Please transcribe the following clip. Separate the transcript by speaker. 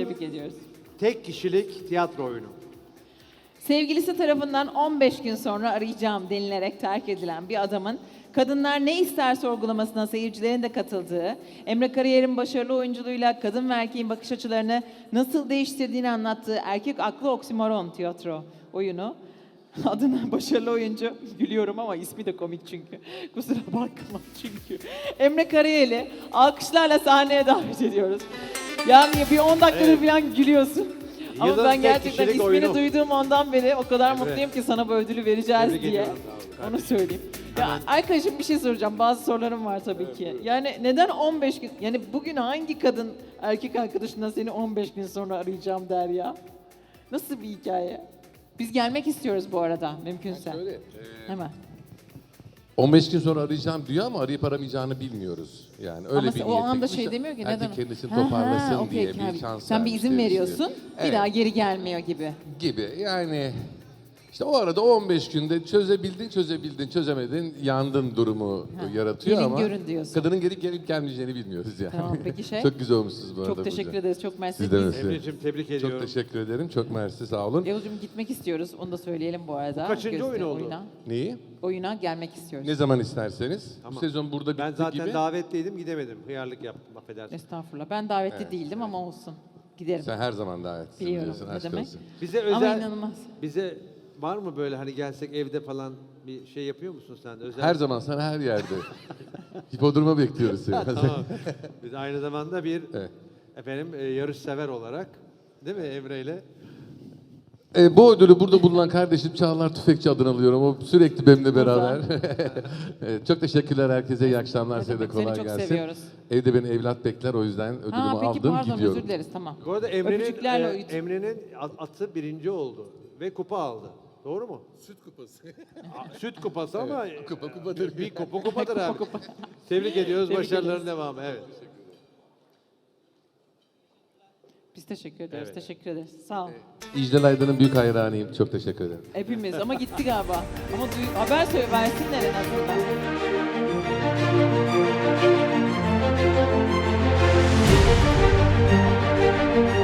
Speaker 1: Tebrik ediyoruz.
Speaker 2: Tek kişilik tiyatro oyunu.
Speaker 1: Sevgilisi tarafından 15 gün sonra arayacağım denilerek terk edilen bir adamın kadınlar ne ister sorgulamasına seyircilerin de katıldığı, Emre Karayer'in başarılı oyunculuğuyla kadın ve erkeğin bakış açılarını nasıl değiştirdiğini anlattığı Erkek Aklı Oksimoron tiyatro oyunu. Adına başarılı oyuncu, gülüyorum ama ismi de komik çünkü. Kusura bakma çünkü. Emre Karayel'i alkışlarla sahneye davet ediyoruz. Yani bir 10 dakikadır falan gülüyorsun. Ama
Speaker 2: Yılın
Speaker 1: ben
Speaker 2: tek
Speaker 1: gerçekten
Speaker 2: kişilik
Speaker 1: ismini
Speaker 2: oyunu.
Speaker 1: duyduğum ondan beri o kadar
Speaker 2: Emre.
Speaker 1: mutluyum ki sana bu ödülü vereceğiz
Speaker 2: Tebrik
Speaker 1: diye.
Speaker 2: ediyorum, sağ ol
Speaker 1: Onu söyleyeyim. Ya arkadaşım bir şey soracağım. Bazı sorularım var tabii ki. Yani neden 15 gün? Yani bugün hangi kadın erkek arkadaşından seni 15 gün sonra arayacağım der ya? Nasıl bir hikaye? Biz gelmek istiyoruz bu arada mümkünse.
Speaker 3: Şöyle,
Speaker 1: Hemen.
Speaker 3: 15 gün sonra arayacağım diyor ama arayıp aramayacağını bilmiyoruz. Yani öyle
Speaker 1: Ama
Speaker 3: bir
Speaker 1: o
Speaker 3: niyet
Speaker 1: anda
Speaker 3: etmiş.
Speaker 1: şey demiyor ki
Speaker 3: Erkek
Speaker 1: neden?
Speaker 3: kendisini
Speaker 1: Ha,
Speaker 3: toparlasın
Speaker 1: okey,
Speaker 3: diye
Speaker 1: okey.
Speaker 3: bir şans
Speaker 1: Sen bir
Speaker 3: vermiş
Speaker 1: izin
Speaker 3: diye
Speaker 1: veriyorsun,
Speaker 3: düşünüyorum.
Speaker 1: bir
Speaker 3: Evet,
Speaker 1: daha geri gelmiyor gibi.
Speaker 3: gibi. Yani işte o arada 15 günde çözebildin, çözemedin, yandın durumu yaratıyor
Speaker 1: Gelin
Speaker 3: ama
Speaker 1: görün diyorsun.
Speaker 3: kadının gelip gelmeyeceğini bilmiyoruz yani.
Speaker 1: Tamam, peki şey?
Speaker 3: Çok güzel olmuşsunuz bu arada.
Speaker 1: Çok teşekkür
Speaker 3: Burcu.
Speaker 1: ederiz, çok mersi.
Speaker 3: Siz de
Speaker 1: Biz-
Speaker 3: mersi.
Speaker 2: Emre'cim tebrik ediyorum.
Speaker 3: Çok teşekkür ederim. Çok mersi, sağ olun.
Speaker 1: Yavuzcuğum gitmek istiyoruz, onu da söyleyelim bu arada.
Speaker 2: Kaçıncı oyun oldu?
Speaker 3: Neyi?
Speaker 1: Oyuna gelmek istiyoruz.
Speaker 3: Ne zaman isterseniz.
Speaker 2: Tamam.
Speaker 3: Bu sezon burada bitti
Speaker 2: Ben zaten
Speaker 3: gibi.
Speaker 2: davetliydim gidemedim. Hıyarlık yaptım affedersin.
Speaker 1: Estağfurullah. Ben davetli değildim ama olsun. Giderim.
Speaker 3: Sen her zaman davetlisin
Speaker 1: Biliyorum,
Speaker 3: diyorsun.
Speaker 1: ne
Speaker 3: Aşk
Speaker 1: demek?
Speaker 3: olsun.
Speaker 2: Bize
Speaker 1: Ama
Speaker 2: özel
Speaker 1: inanılmaz.
Speaker 2: bize var mı böyle hani gelsek evde falan bir şey yapıyor musun sen? Özel.
Speaker 3: Her zaman sana her yerde. Hipodroma bekliyoruz seni.
Speaker 2: Tamam. Biz aynı zamanda bir
Speaker 3: Evet.
Speaker 2: efendim yarış sever olarak değil mi Emre ile?
Speaker 3: Bu ödülü burada bulunan kardeşim Çağlar Tüfekçi adını alıyorum. O sürekli benimle beraber. Evet, çok teşekkürler herkese. İyi akşamlar.
Speaker 1: Ne
Speaker 3: Size de
Speaker 1: demek,
Speaker 3: kolay
Speaker 1: seni çok
Speaker 3: gelsin.
Speaker 1: seviyoruz.
Speaker 3: Evde beni evlat bekler. O yüzden ödülümü
Speaker 1: Ha peki
Speaker 3: aldım
Speaker 1: pardon
Speaker 3: gidiyorum.
Speaker 1: özür dileriz tamam.
Speaker 2: Bu arada
Speaker 1: Öpücüklerle uyut.
Speaker 2: Emre'nin atı birinci oldu ve kupa aldı. Doğru mu?
Speaker 3: Süt kupası.
Speaker 2: Süt kupası ama
Speaker 3: kupadır.
Speaker 2: bir kupadır abi. Tebrik ediyoruz.
Speaker 1: Tebrik
Speaker 2: Başarıların
Speaker 1: ederiz.
Speaker 2: devamı. Evet.
Speaker 1: Biz teşekkür ederiz.
Speaker 2: Evet.
Speaker 1: Teşekkür ederiz. Sağ ol.
Speaker 3: İclal Aydın'ın büyük hayranıyım. Çok teşekkür ederim.
Speaker 1: Hepimiz ama gitti galiba. Ama haber söyle versinler en azından.